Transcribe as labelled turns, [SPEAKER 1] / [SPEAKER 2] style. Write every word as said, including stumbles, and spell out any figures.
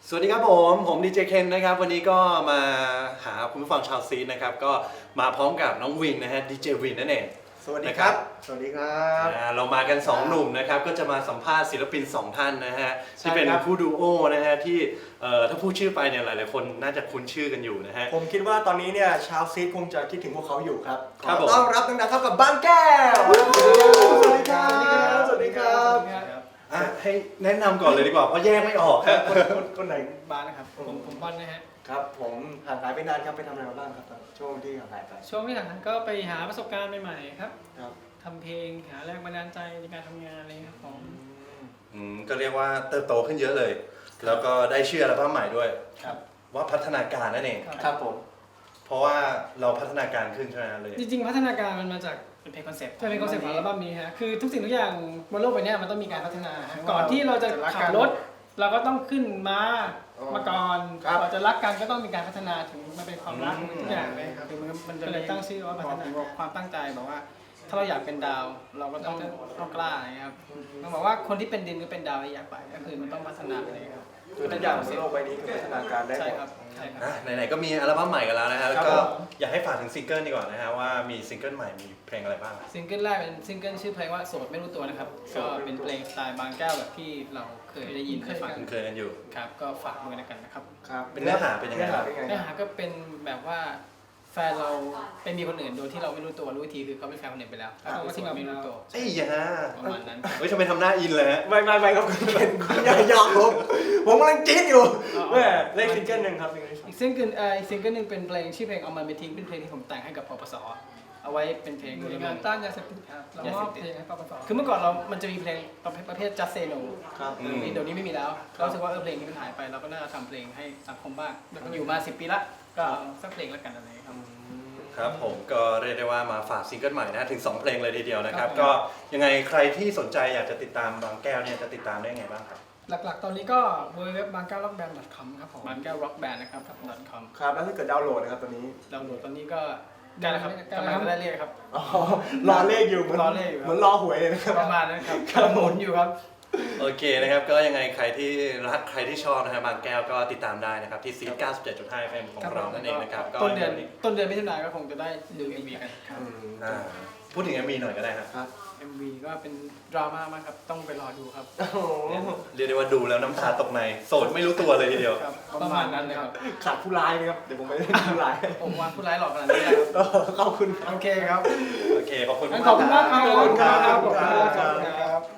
[SPEAKER 1] สวัสดีครับผมผมดีเจเคนนะครับวันนี้ก็มาหาคุณผู้ฟังชาวซีนะครับก็มาพร้อมกับน้องวินนะฮะดีเจวินนั่นเอง
[SPEAKER 2] สวัสดีครับสวัสดีครับ
[SPEAKER 1] เรามากันสองหนุ่มนะครับก็จะมาสัมภาษณ์ศิลปินสองท่านนะฮะที่เป็นคู่ดูโอนะฮะที่ถ้าพูดชื่อไปเนี่ยหลายๆคนน่าจะคุ้นชื่อกันอยู่นะฮะ
[SPEAKER 2] ผมคิดว่าตอนนี้เนี่ยชาวซีดคงจะคิดถึงพวกเขาอยู่ครับ
[SPEAKER 1] ขอ
[SPEAKER 2] ต้อนรับดังๆเข้ากับบางแก้วสวัสดีครับสวัสดีครับ
[SPEAKER 1] ให้แนะนำก่อนเลยดีกว่าเพราะแยกไม่ออกครับ
[SPEAKER 2] คนคนไหน
[SPEAKER 3] บ้านนะครับผมผมบอลนะฮะ
[SPEAKER 2] ครับผมห่างหายไปนานครับไปทำอะไรมาบ้างครับช่วงที่ห่างหายไป
[SPEAKER 3] ช่วงที่ห่างหายก็ไปหาประสบการณ์ใหม่ๆครับ
[SPEAKER 2] ครับ
[SPEAKER 3] ทำเพลงหาแรงบันดาลใจในการทำงานอะไรครับผม
[SPEAKER 1] อืมก็เรียกว่าเติบโตขึ้นเยอะเลยแล้วก็ได้ชื่ออัลบั้มใหม่ด้วย
[SPEAKER 3] ครับ
[SPEAKER 1] ว่าพัฒนาการนั่นเอง
[SPEAKER 2] ครับผม
[SPEAKER 1] เพราะว่าเราพัฒนาการขึ้นใช่ไหมเลย
[SPEAKER 3] จริงๆพัฒนาการมันมาจากเป็นเพลงคอนเซ็ปต์เป็นคอนเซ็ปต์ของอัลบั้มนี้ฮะคือทุกสิ่งทุกอย่างบนโลกใบนี้มันต้องมีการพัฒนาก่อนที่เราจะขับรถเราก็ต้องขึ้นม้ามาก่อนก่อนจะรักกันก็ต้องมีการพัฒนาถึงมาเป็นความรักทุกอย่างเลยครับคือมันมันจะเลยตั้งชื่อว่าพัฒนาความตั้งใจบอกว่าถ้าเราอยากเป็นดาวเราก็ต้องต้องกล้านะครับต้องบอกว่าคนที่เป็นดินก็เป็นดาวที่อยากไปก็คือมันต้องพัฒนาอะไรครับ
[SPEAKER 2] คือทุกอย่างบนโลกใบนี้คือพัฒนาการได้หมด
[SPEAKER 3] ใช่ครับใช่ครับ
[SPEAKER 1] ไหนๆก็มีอัลบั้มใหม่กันแล้วนะฮะแล้วก็อยากให้ฝากถึงซิงเกิลดีกว่านะฮะว่ามีซิงเกิลใหม่มีเพลงอะไรบ้าง
[SPEAKER 3] ซิงเกิลแรกเป็นซิงเกิลชื่อเพลงว่าโสดไม่รู้ตัวนะครับก็เป็นเพลงสไตล์บางแก้วแบบที่เราเคยได้ยินเคยฟัง
[SPEAKER 1] เคยกันอยู่
[SPEAKER 3] ครับก็ฝากด้วยกันนะครับ
[SPEAKER 2] ครับ
[SPEAKER 1] เป็นเนื้อหาเป็นยังไง
[SPEAKER 3] เนื้อหาก็เป็นแบบว่าแฟนเราเป็นมีคนอื่นโดยที่เราไม่รู้ตัวรู้ทีคือเขาเป็นแฟนคนอื่นไปแล้วเขาก็ที่เราไม่รู้ตัว
[SPEAKER 1] ไอ้ยา
[SPEAKER 3] ประมาณนั้น
[SPEAKER 1] เฮ้ยทำไมทำหน้าอินเลยฮะ
[SPEAKER 2] ไม่ไม่ไม่ครับคุณเป็นคุณอย่ายอมผมผมกำลังจี๊ดอยู่แม่เลขซิงเกิลหนึ่งครับ
[SPEAKER 3] อีกซิงเกิลเอ่ออีกซิงเกิลหนึ่งเป็นเพลงชื่อเพลงเอามันไปทิ้งเป็นเพลงที่ผมแต่งให้กับปปสเอาไว้เป็นเพลงงานต้านยาเสพติดครับเรามอบเพลงให้ปปสคือเมื่อก่อนเรามันจะมีเพลงประเภท just say no
[SPEAKER 2] ครับ
[SPEAKER 3] เดี๋ยวนี้ไม่มีแล้วเรารู้สึกว่าเออเพลงนี้มันหายไปเราก็น่าจะทำเพลงให้สังคมบ้างอยู่มาสิบปีละก็สักเพลงละกันอะไรครับ
[SPEAKER 1] ครับผมก็เรียกได้ว่ามาฝากซิงเกิลใหม่นะถึงสองเพลงเลยทีเดียวนะครับก็ยังไงใครที่สนใจอยากจะติดตามบางแก้วเนี่ยจะติดตามได้ไงบ้างครับ
[SPEAKER 3] หลักๆตอนนี้ก็เว็บบางแก้วร็อกแบนด์ .com ครับผมบางแก้วร็อกแบนด์นะครับ .com
[SPEAKER 2] ครับแล้วถ้าเกิดดาวน์โหลดนะครับตอนนี้
[SPEAKER 3] ดาวน์โหลดตอนนี้ก็ได้แล้วครับกำลังจะได้เลขครับ
[SPEAKER 2] อ๋อรอเลขอยู่เหมือน
[SPEAKER 3] รอเลขอยู่
[SPEAKER 2] เหมือนรอหวยเลยนะครับ
[SPEAKER 3] ประมาณนั้นครับกำลังหมุนอยู่ครับ
[SPEAKER 1] โอเคนะครับก็ยังไงใครที่รักใครที่ชอบนะฮะบางแก้วก็ติดตามได้นะครับที่ซี เก้าสิบเจ็ดจุดห้า เอฟ เอ็ม ของเรานั่นเองนะครับ
[SPEAKER 3] ต้นเดือนต้นเดือนมิถุนายนก็คงจะได้ดู เอ็ม วี กันครับ
[SPEAKER 1] พูดถึง เอ็ม วี หน่อยก็ได้ครับ
[SPEAKER 3] เอ็ม วี ก็เป็นดราม่ามากครับต้องไปรอดูครับ
[SPEAKER 1] เรียกได้ว่าดูแล้วน้ำตาตกในโสดไม่รู้ตัวเลยทีเดียว
[SPEAKER 3] ประมาณนั้นเลยครับ
[SPEAKER 2] ขาดผู้ร้ายไหมครับเดี๋ยวผมไปเล่นผู้ร้าย
[SPEAKER 3] ผมว่าผู้ร้ายหลอกขนาดนี้
[SPEAKER 2] ขอบคุณ
[SPEAKER 3] โอเคครับ
[SPEAKER 1] โอเคขอบคุณ
[SPEAKER 3] ขอบคุณมากครับ
[SPEAKER 2] ขอบคุณครับ